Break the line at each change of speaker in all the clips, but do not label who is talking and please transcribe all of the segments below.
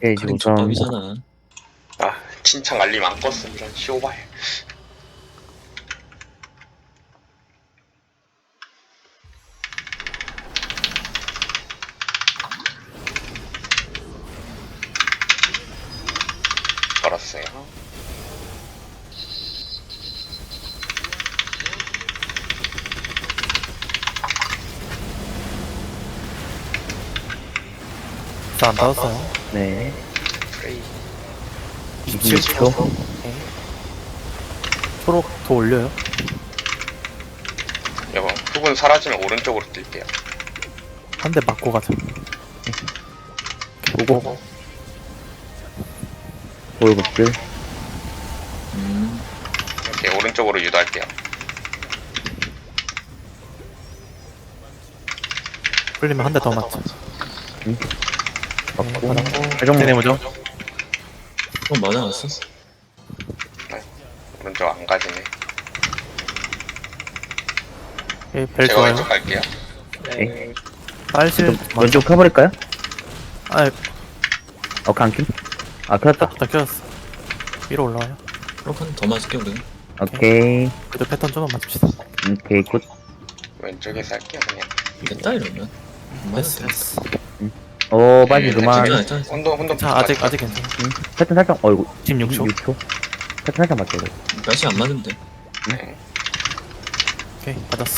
오케이,
카린
우선
족밥이잖아.
아, 친창 알림 안 껐음 이런 쇼발. 걸었어요.
저안 닿았어요.
네.
프레이.
27초.
초록 더 올려요.
여보, 훅은 사라지면 오른쪽으로 뛸게요.
한 대 맞고 가자.
보고. 볼급들.
이렇게 오른쪽으로 유도할게요.
풀리면 한 대 더 맞자.
맞고.
받았고.
최종
쟤네 뭐죠?
맞아놨어.
오른쪽 안 가지네.
예, 벨
제가
좋아요.
왼쪽 갈게요.
네.
빨실
왼쪽 켜버릴까요?
아,
안 킴? 아, 켰다.
다 켜졌어. 위로 올라와요.
그럼 한더 맞을게 우리.
오케이.
그래도 패턴 좀만 맞춥시다.
오케이, 굿.
왼쪽에서 할게요 그냥.
됐다 이러면.
됐어, 됐어.
빨리 그만.
괜찮아.
혼돈
자, 아직 괜찮아.
패턴 살짝, 어이구.
16초.
6초. 패턴 살짝 맞죠, 이거.
날씨 안 맞으면 돼.
네.
오케이, 받았어.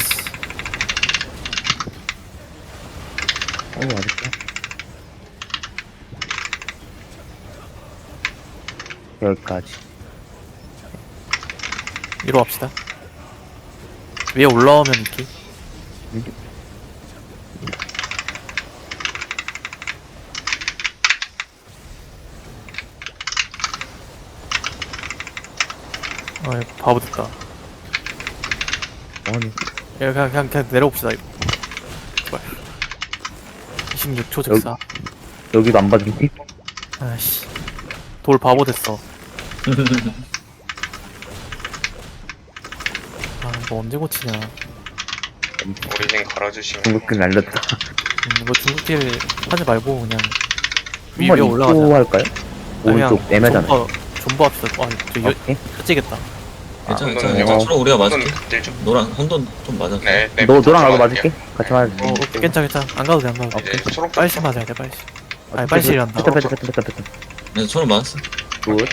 맞을게. 여기까지.
위로 갑시다. 위에 올라오면 이렇게. 아, 바보 됐다.
아니,
그냥 내려봅시다, 이거. 제발. 26초 즉사.
여기도 안 봐주지?
아씨. 돌 바보 됐어. 아, 이거 언제 고치냐.
오리진 걸어주시면.
중국들 날렸다.
이거 중국길 하지 말고 그냥 위에
한번
올라가자.
입구 할까요? 오른쪽 애매잖아.
존버 합시다. 아, 저
오케이.
혀지겠다.
괜찮아
혼돈은
괜찮아.
어.
서로 우리가
혼돈
맞을게.
극딜 좀.
노랑 혼돈 좀 맞았어.
네, 네.
너랑 나도 맞을게.
들어갈게요.
같이 맞을게.
오케이, 괜찮아. 안 가도 돼, 안 가도 돼.
이제 초록
빨리 맞아야 돼, 빨리. 아니, 빨리 실한다.
패턴.
내가 서로 맞았어.
굿.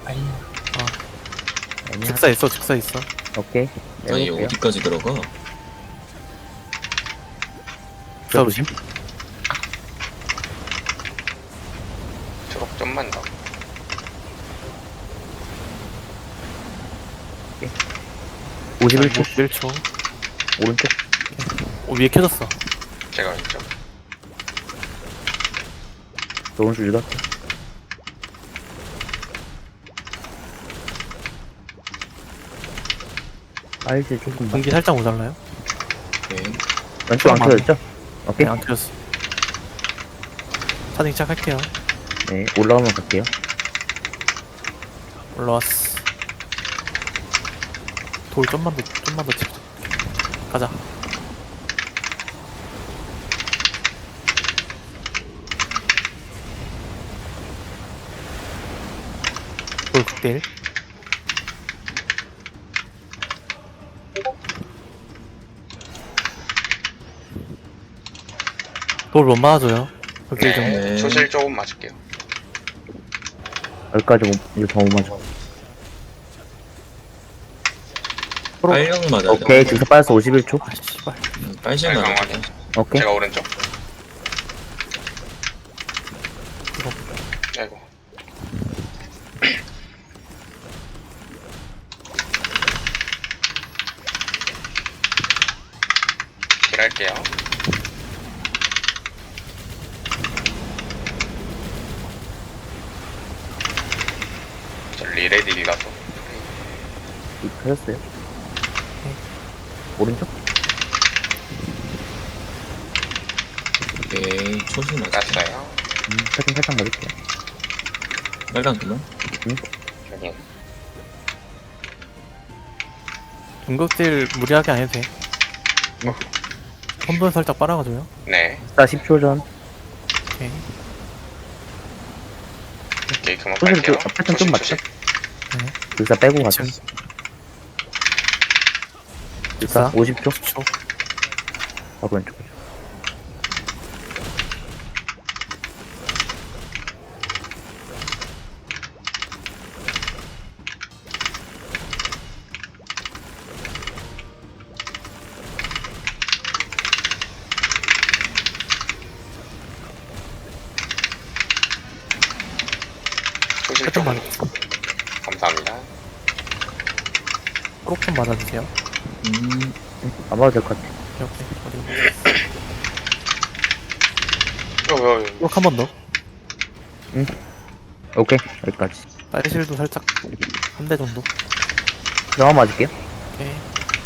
즉사 있어, 즉사 있어.
오케이.
아니
해볼게요.
어디까지 들어가?
즉사 조심.
초록 좀만 더.
51초.
1초.
오른쪽.
위에 켜졌어.
제가 왼쪽.
오른쪽 읽었어. 알지, 조금.
공기 살짝 모자라요?
오케이.
왼쪽 안 켜졌죠? 오케이.
네, 안 켜졌어. 차징 시작할게요.
네, 올라오면 갈게요.
올라왔어. 돌 좀만 더 찍자. 가자. 돌 극딜. 돌 못 맞아줘요. 극딜 좀.
네. 초실 조금 맞을게요.
여기까지 이거 더 못 맞아.
빨령 맞아.
오케이, 지금 빠졌어. 51초.
아, 씨발.
빨실
네,
맞아.
강하게.
오케이.
제가 오른쪽.
이거.
아이고. 딜할게요. 저 리레딜이라서.
켜졌어요. 오른쪽?
오케이. 초실 맞아.
땄어요.
패턴 살짝 맞을게요.
빨강 그만.
저기.
중극딜 무리하게 안 해도 돼. 혼돈 살짝 빨아가줘요.
네.
10초 전.
오케이.
오케이, 그만
소실
갈게요.
그 패턴 좀 맞죠? 불사 빼고 가자.
지금
불사 50초?
10초.
바로 왼쪽.
소실
패턴
좀
맞았어.
감사합니다.
초록 좀 맞아주세요.
안 봐도 될 것 같아.
오케이, 어디.
요.
초록 한 번 더.
오케이, 여기까지.
빨실도 살짝 한 대 정도.
영화 맞을게요.
오케이.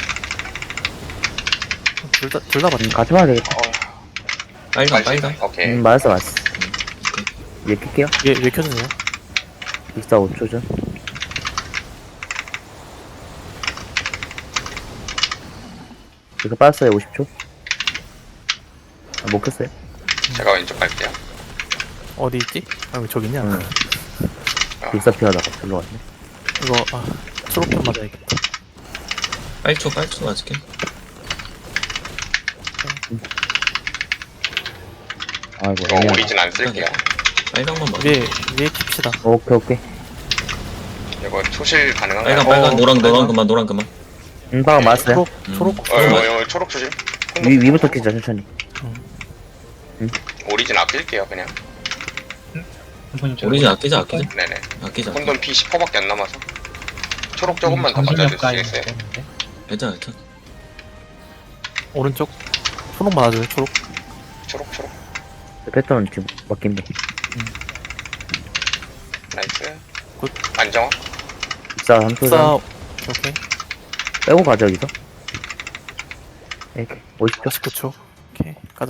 둘다 맞네.
같이 봐야 되겠다.
빨강.
오케이.
맞았어. 얘 킬게요.
왜 켜주세요?
불사 5초 전. 이거 빠졌어요, 50초. 못 켰어요.
제가 왼쪽 갈게요.
어디 있지? 아, 왜 저기 있냐?
응. 불사 피하다가 별로 갔네.
이거, 초록 좀 맞아야겠다.
빨초 맞을게.
아이고,
이거
애매하다.
오리진 안 쓸게요.
빨강만 맞아.
위에 킵시다.
오케이.
이거 초실 가능한가요?
빨강, 노랑 그만.
방금 맞았어요.
초록.
초록 조심.
위부터 키자, 천천히.
오리진 아낄게요, 그냥.
오리진 아끼자.
네네.
아끼자.
혼돈 피 10%밖에 안 남아서. 초록 조금만 더 맞아줄 수 있어요.
괜찮아.
오른쪽. 초록 맞아줘요, 초록.
초록.
패턴은 지금 맡긴데.
나이스.
굿.
안정화.
불사 3초
싸,
전.
오케이.
빼고 가자, 여기서. 이렇게. 50초.
19초. 오케이, 가자.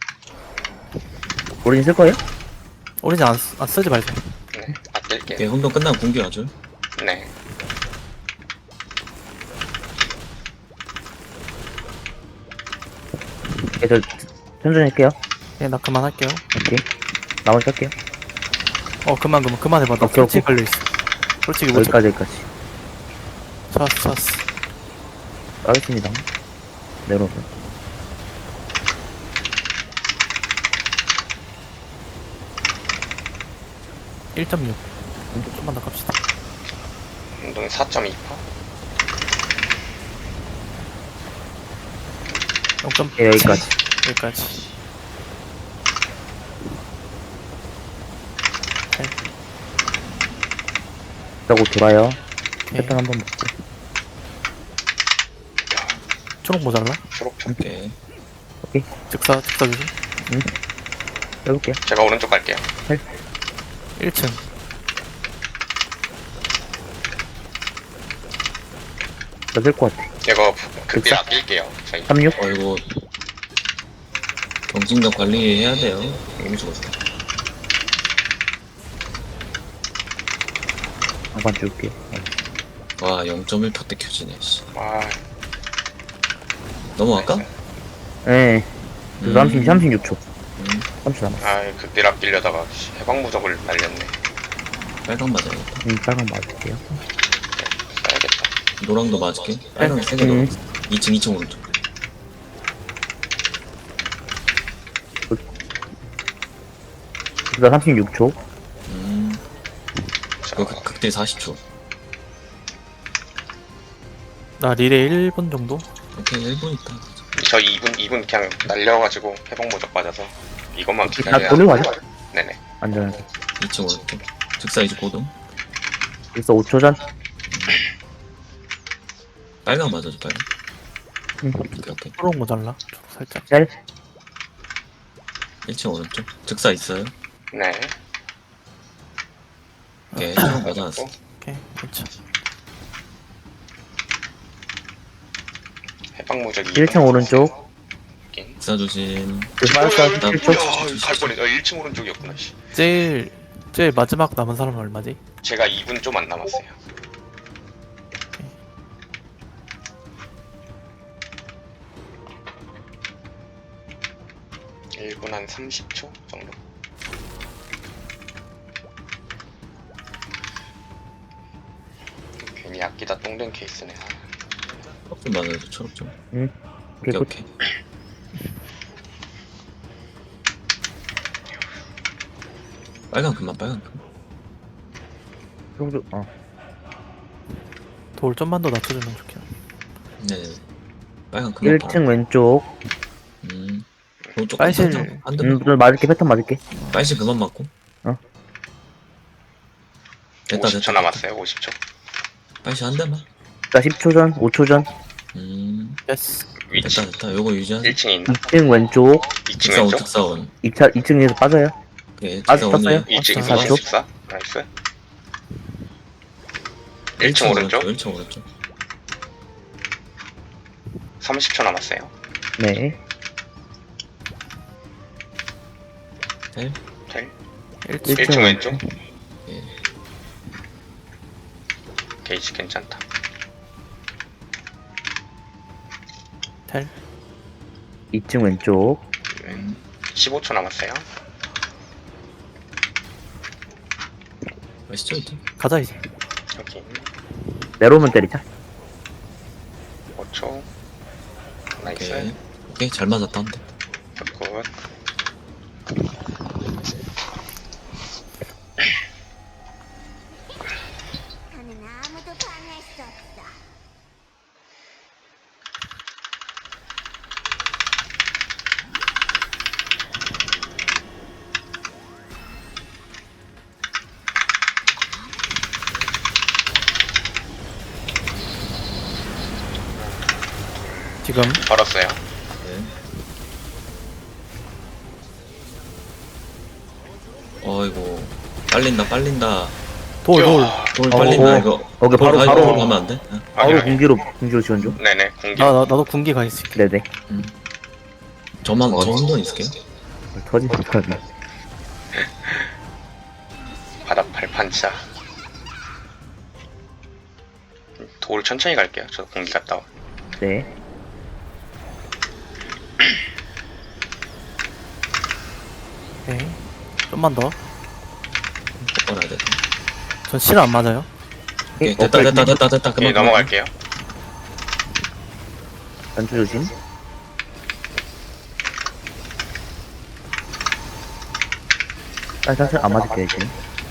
오리진 쓸 거예요?
오리진 안 쓰지 말자.
네, 아낄게요.
오케이, 혼돈 끝나면 공기 와줘.
네.
저 천천히 할게요.
네, 나 그만할게요.
오케이. 나머지 할게요.
그만 해봐. 나
오케이,
솔직히
오케이.
걸려있어. 솔직히 못 찾아.
여기까지.
찾았어.
까겠습니다. 내려오세요.
일 1.6. 좀만 더 갑시다.
운동 4.2%.
0.7.
예, 여기까지.
여기까지.
그러고 돌아요.
오케이.
패턴 한번 먹고.
초록 모자라?
초록.
오케이.
즉사 조심.
빼볼게요.
제가 오른쪽 갈게요.
1층.
나쓸 것 같아.
이거 극딜 아낄게요. 저희.
36?
이거 경진력 관리해야 돼요. 너무 죽었어.
한번 줄게.
와, 0.1% 때 켜지네. 씨.
아,
넘어갈까?
예. 네. 36초.
음,
30초 남았어.
극딜 아끼려다가 해방무적을 날렸네.
빨강 맞아야겠다.
빨강 맞을게요.
써야겠다.
노랑도 맞을게. 빨강 3개
음.
넣어. 2층 오른쪽.
그다 36초.
이거 극딜 40초.
나 릴에 1분 정도?
오케이, 1분 있다.
저 2분 그냥 날려가지고 해방무적 맞아서 이것만
다
기다려야
돌리고 가자.
네네.
안전하게.
2층 오른쪽. 즉사 이제 고동.
그래서 5초 전.
빨강 맞아줘, 빨강. 오케이.
초록 모자라? 초록 살짝.
셀.
1층 오른쪽. 즉사 있어요.
네.
오케이, 초록 맞아놨어.
오케이, 괜찮아.
해방무적
1층 오른쪽.
즉사 조심.
빠졌어.
나-
1초.
갈 뻔했어. 1층 오른쪽이었구나. 씨.
제일 마지막 남은 사람은 얼마지?
제가 2분 좀 안 남았어요. (1분) 한 30초 정도. 아끼다 똥된 케이스네.
초록 좀 맞아줘. 초록 좀.
오케이,
오케이
굿.
오케이. 빨강 그만 빨강 그만.
좀,
돌 좀만 더 낮춰주면 좋겠네.
네네. 빨강 그만.
1층 왼쪽.
조금
빨실.
한 대만.
좀 맞을게, 패턴 맞을게.
빨실 그만 맞고.
어.
됐다
50초
됐다.
남았어요. 50초.
빨실 한 대만.
자, 10초 전, 5초 전.
예스.
위치.
됐다. 요거 유지하자.
1층에 있나?
2층 왼쪽.
2층
직사원
왼쪽?
직사원.
2층에서 빠져요.
예,
아,
직사원이에요.
떴어요?
2층
아,
4초?
4초?
14? 나이스. 1층 오른쪽?
1층 오른쪽.
30초 남았어요.
네.
텔.
텔.
1층.
1층 왼쪽?
예.
게이지 괜찮다.
텔.
2층 왼쪽.
15초 남았어요.
아시죠 이제?
가자 이제.
여기
내려오면 때리자.
5초. 나이스.
오케이. 오케이 잘 맞았다 한 대.
굿.
나는 아무도 방해할 수 없어.
지금
걸었어요.
네. 어이구 빨린다.
돌.
돌 빨린다 이거.
오케이, 바로,
돌
바로.
가면 안 돼? 어.
바로 공기로 지원 좀.
네네. 공기.
나도 군기 가 있을게.
네네.
저만 저 정도 있을게요.
터지지, 터지.
바닥 발판차. 돌 천천히 갈게요. 저 공기 갔다 와.
네.
오케이. 좀만 더.
걸어야 돼.
전 실 안 맞아요.
오케이 됐다.
예,
그만.
넘어갈게요.
단추 조심. 사실 안 맞을게요, 지금.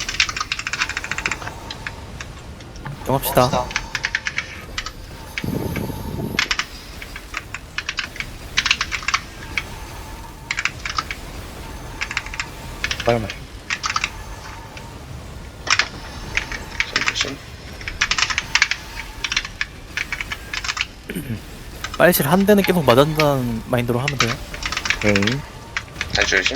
정합시다.
빨리 맞
조심.
빨실 한 대는 계속 맞았다는 마인드로 하면 돼요.
오케이.
단추 조심.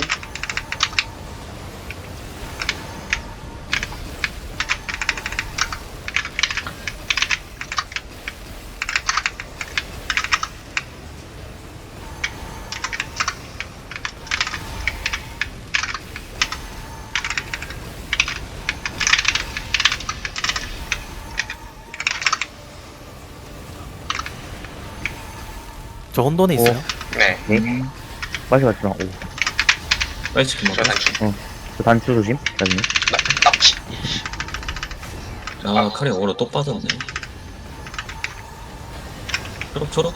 저 혼돈에 있어요.
네.
네. 빨리 맞지 마. 오.
빨리 지금
저 단추.
저 단추 조심. 나중에.
납치.
아 칼이 오로 또 빠졌네. 초록.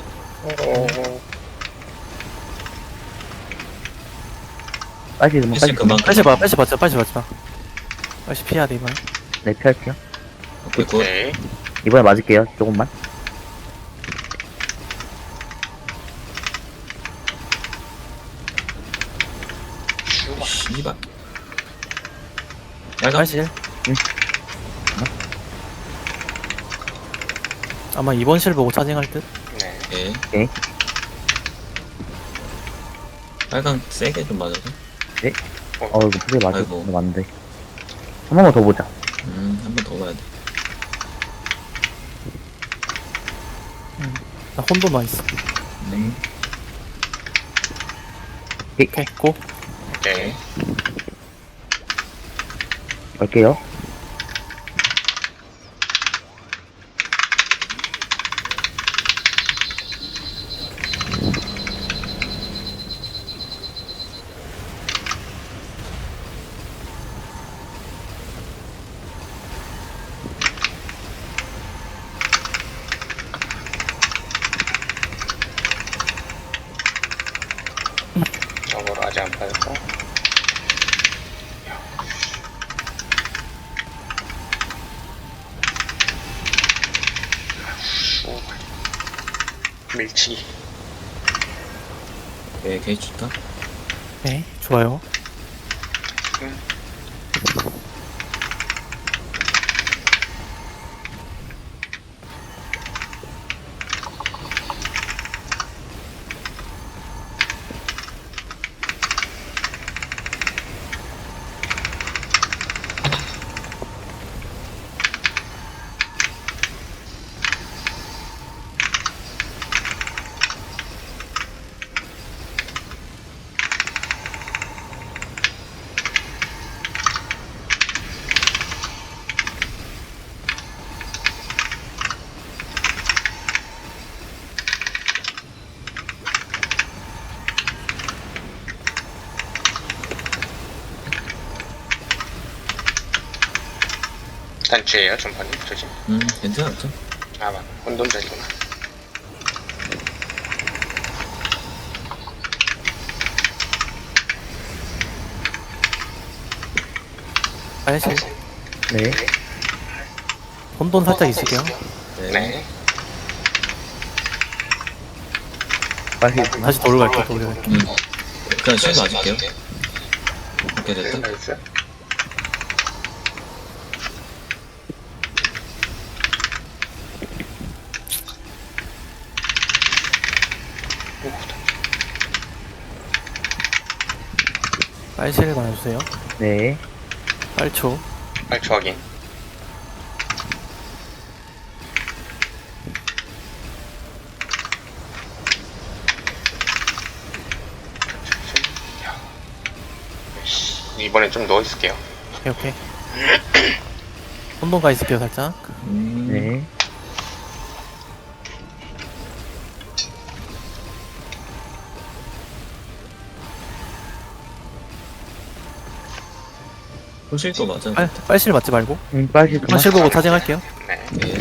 빨리 그만,
패시
빨리
그만.
빨실 맞지 마. 빨실 피해야 돼 이번에.
네, 피할게요.
오케이 굿.
오케이.
이번에 맞을게요, 조금만.
씨발. 빨강.
빨실. 아마 이번 실 보고 차징할 듯.
네.
예.
오케이.
빨강 세게 좀 맞아서.
이거 크게 맞아.
아이고.
맞는데. 한 번만 더 보자.
한 번 더 봐야 돼.
나 혼돈만 있어.
네.
오케이 고.
오케이.
갈게요.
맞았고. 밀치기.
네, 게이지 좋다.
네, 좋아요.
단추예요, 전판이. 조심.
괜찮았죠?
아, 맞. 혼돈자리구나.
빨실.
네.
혼돈 살짝 있을게요.
네.
빨리
다시 돌로 갈게요, 돌로 갈게요.
그냥 실 맞을게요. 오케이, 됐다.
나이스.
빨실 맞아주세요.
네.
빨초.
발초 확인. 이번엔 좀 누워있을게요.
오케이, 오케이. 혼돈 가 있을게요, 살짝.
네.
호실도 맞아.
빨실 맞지 말고.
빨리 그만.
빨실 보고 타징할게요.
네.
네.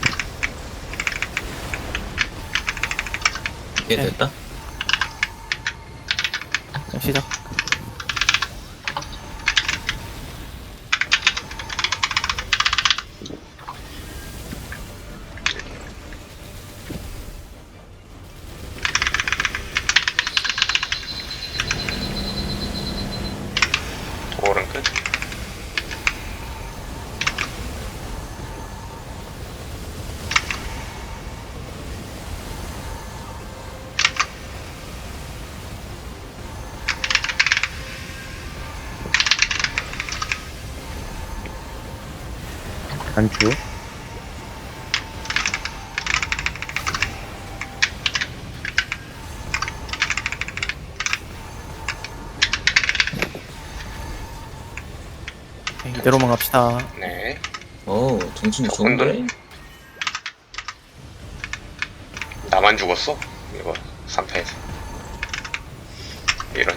오케이,
네.
됐다.
그냥 시작.
도어는 끝.
단추.
오케이, 이대로만 갑시다.
네.
정신이
혼돈?
좋은데?
나만 죽었어? 이거 3패에서. 이런.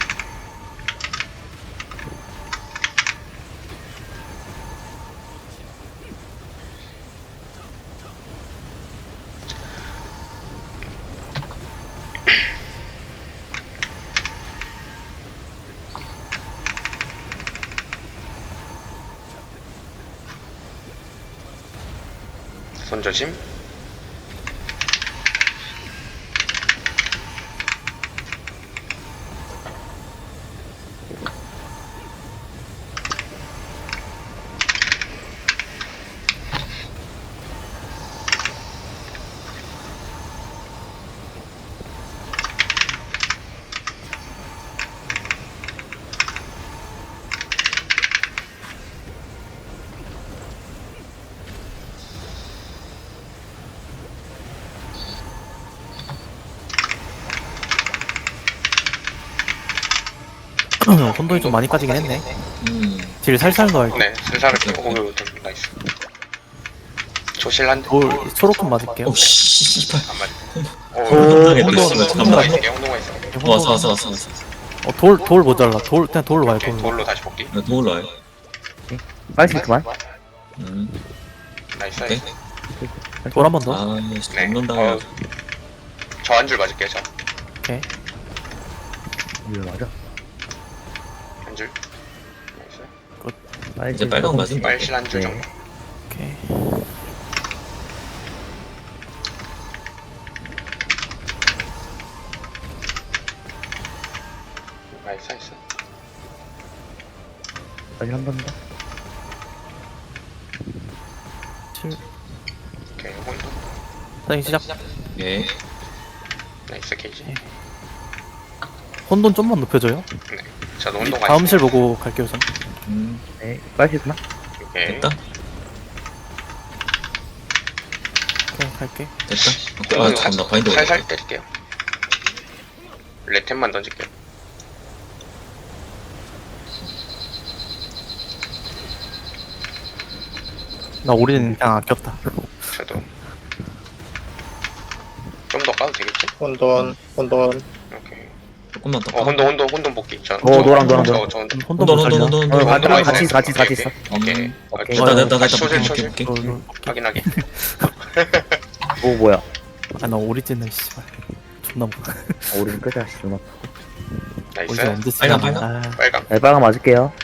손조심.
혼돈이 좀 많이 까지긴 했네.
음.
딜 살살 넣어야
네, 슬사를 오고 좀 나이스. 조실한데?
돌, 초록금 맞을게요.
오, 씨발.
안 맞네.
혼돈하겠다,
혼동,
씨발.
혼동가
잠깐만.
있을게요, 혼동가 있어.
왔어.
돌 모자라. 그냥 돌로 가요, 돌로.
돌로 다시 복귀.
나 도울 와요.
빨리 그만.
나이스,
오케이.
나이스.
돌 한 번 더.
아,
네.
잡는다.
저 한 줄 맞을게요, 저.
오케이.
이거 맞아. 빨실
이제 빨강 맞은 거.
빨실 한 줄
네.
정도.
오케이.
나이스 나이스.
빨실 한 번 더.
7.
오케이 혼돈.
사진 시작.
예.
나이스 게이지.
혼돈 좀만 높여줘요.
저도 혼돈 가
다음 실 보고 갈게요, 전.
네. 빨실 그만.
오케이.
됐다.
오케이, 갈게.
됐다. 아 잠깐만 바인드
살살
올릴게.
때릴게요. 레템만 던질게요.
나 오리는 그냥 아꼈다.
저도 좀 더 까도 되겠지?
혼돈.
오케이.
조금만 더.
혼돈 복귀. 저
노랑.
저
혼돈
혼돈
못 살려.
혼돈
어,
혼돈.
같이 있어.
오케이.
있어.
오케이.
오케이.
됐다.
소실,
볼게.
확인 확인.
오 뭐야?
아, 나 오리진을 씨발. 존나 못.
오른 끄자. 누나.
나이스.
오리진 언제
빨강,
쓰냐.
빨강.
아,
빨강.
네, 빨강 맞을게요.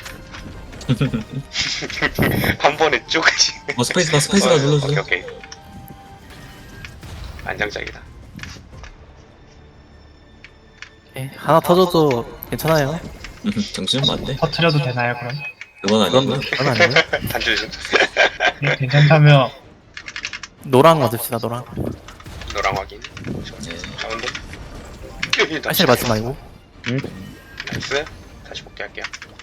한 번에 쭉.
스페이스바 눌러주세요.
오케이. 안정적이다.
오케이. 하나 터져도 괜찮아요.
정신 맞네.
터트려도 되나요, 그럼?
그건 아니고.
그건 아니에요.
단줄 좀.
네, 괜찮다면
노랑 맞읍시다, 노랑.
노랑 확인.
네.
자 혼돈.
사실 맞지 말고.
나이스. 다시 복귀할게요.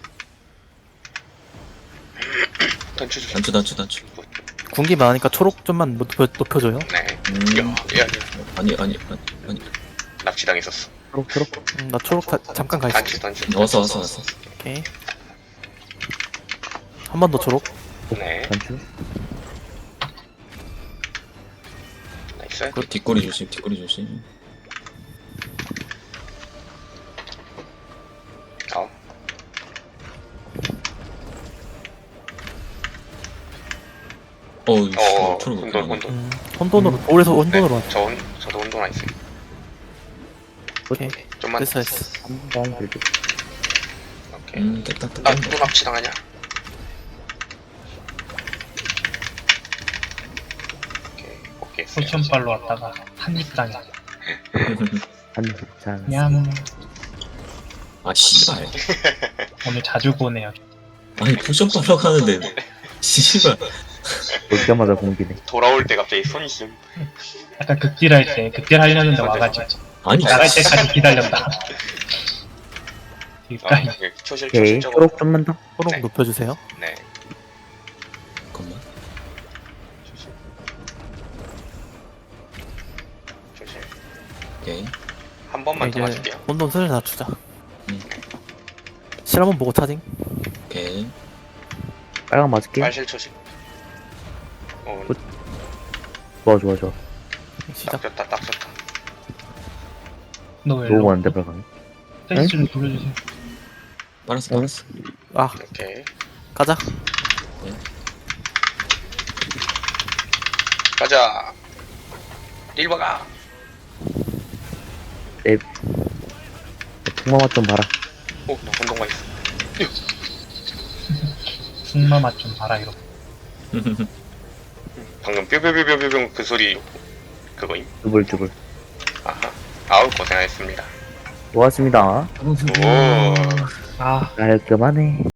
던추 주세요.
단추.
군기 많으니까 초록 좀만 높여줘요.
네.
음.
야.
아니.
납치당했었어.
초록.
나 초록 잠깐 가 있어.
단추.
왔어.
오케이. 한 번 더 초록.
네.
단추.
나이스.
뒷꼬리 조심.
어.
어우,
혼돈.
혼돈으로 올에서 혼돈으로 하자.
저도 혼돈 안 있어요.
오케이.
좀만.
됐어.
한번 빌드.
오케이.
됐다.
아, 또 납치당하냐? 오케이.
포션빨로 왔다가 한입당해.
자.
냠.
아 씨발.
오늘 자주 보네요.
아니 포션 빨러 가는데 씨발.
볼 때마다 공기네.
돌아올 때 갑자기 손이 좀.
아까 극딜 할 때, 극딜 하려는데 와가지고.
아니
나갈 때까지 기다렸다. 그니까,
초실
오케이.
저거.
초록 좀만 더.
초록
네.
높여주세요.
네.
잠깐만.
초실.
오케이.
한 번만 더
이제
맞을게요.
혼돈 슬슬 낮추자.
음.
실 한번 보고 차징.
오케이.
빨강 맞을게.
빨실 초실.
좋아.
시작.
딱 좋다.
너왜
너무 많은데 빨강.
페이스를 돌려주세요.
빨았어.
아,
오케이.
가자.
가자. 릴버가.
풍마맛 좀 봐라.
오, 나 혼동가 있어.
승마 맛 좀 봐라, 이렇게.
방금 뾰뾰뾰뾰뾰 그 소리 그거임.
주불.
아하. 아우 고생하셨습니다.
고맙습니다.
오.
아.
깔끔하네.